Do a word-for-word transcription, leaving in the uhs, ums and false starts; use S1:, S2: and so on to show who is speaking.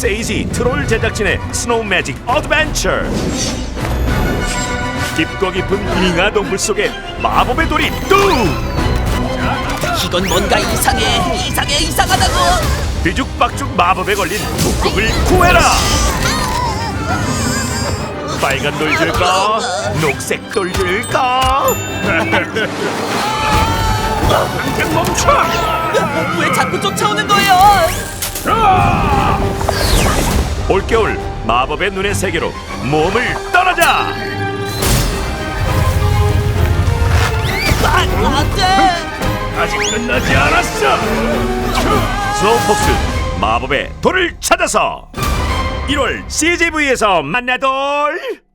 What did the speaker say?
S1: 세이지 트롤 제작진의 스노우 매직 어드벤처. 깊고 깊은 빙하 동굴 속에 마법의 돌이 뚝!
S2: 이건 뭔가 이상해. 이상해 이상하다고.
S1: 뒤죽박죽 마법에 걸린 북극을 구해라. 빨간 돌 줄까? 녹색 돌 줄까? 당장 멈춰!
S2: 왜 자꾸 쫓아오는 거예요?
S1: 올겨울 마법의 눈의 세계로 몸을 떠나자.
S2: 아, 안돼.
S1: 아직 끝나지 않았어. 스노우폭스 마법의 돌을 찾아서 일월 씨지비에서 만나돌.